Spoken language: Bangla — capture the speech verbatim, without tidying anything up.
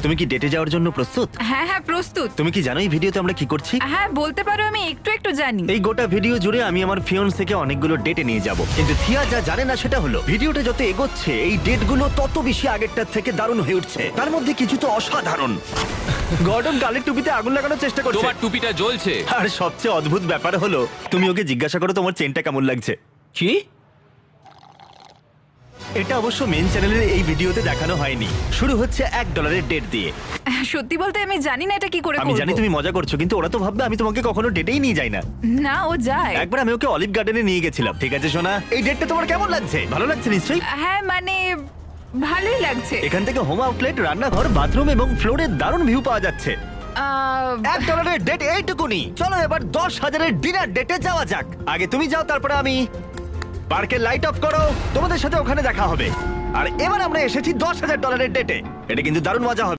তুমি কি ডেটে যাওয়ার জন্য প্রস্তুত? হ্যাঁ হ্যাঁ প্রস্তুত। তুমি কি জানো এই ভিডিওতে আমরা কি করছি? হ্যাঁ বলতে পারো, আমি একটু একটু জানি। এই গোটা ভিডিও জুড়ে আমি আমার ফিয়ন্সকে অনেকগুলো ডেটে নিয়ে যাব, কিন্তু থিয়া যা জানে না সেটা হলো ভিডিওটা যত এগোচ্ছে এই ডেটগুলো তত বেশি আগেরটার থেকে দারুণ হয়ে উঠছে। তার মধ্যে কিছু তো অসাধারণ। গর্ডন গালের টুপিতে আগুন লাগানোর চেষ্টা করছে। তোমার টুপিটা জ্বলছে। আর সবচেয়ে অদ্ভুত ব্যাপার হলো তুমি ওকে জিজ্ঞাসা করো তোমার চেনটা কেমন লাগছে। কি? এটা অবশ্য মেন চ্যানেলের এই ভিডিওতে দেখানো হয়নি। শুরু হচ্ছে এক ডলারের ডেট দিয়ে। সত্যি বলতে আমি জানি না এটা কি করে আমি করব। জানি তুমি মজা করছো, কিন্তু ওরা তো ভাববে আমি তোমাকে কখনো ডেটেই নিয়ে যাই না। না, ও যায়। একবার আমি ওকে অলিভ গার্ডেনে নিয়ে গেছিলাম। ঠিক আছে সোনা, এই ডেটটা তোমার কেমন লাগছে? ভালো লাগছে নিশ্চয়ই। হ্যাঁ মানে ভালোই লাগছে। এখান থেকে হোম আউটলেট, রান্নাঘর, বাথরুম এবং ফ্লোরের দারুণ ভিউ পাওয়া যাচ্ছে। আহ, এক ডলারের ডেট এইটুকুনি। চলো এবার দশ হাজারের ডিনার ডেটে যাওয়া যাক। আগে তুমি যাও, তারপরে আমি। পার্কের লাইট অফ করো, তোমাদের সাথে ওখানে দেখা হবে। আর এবার আমরা এসেছি দশ হাজার ডলারের ডেটে। এটা কিন্তু দারুণ মজা হবে।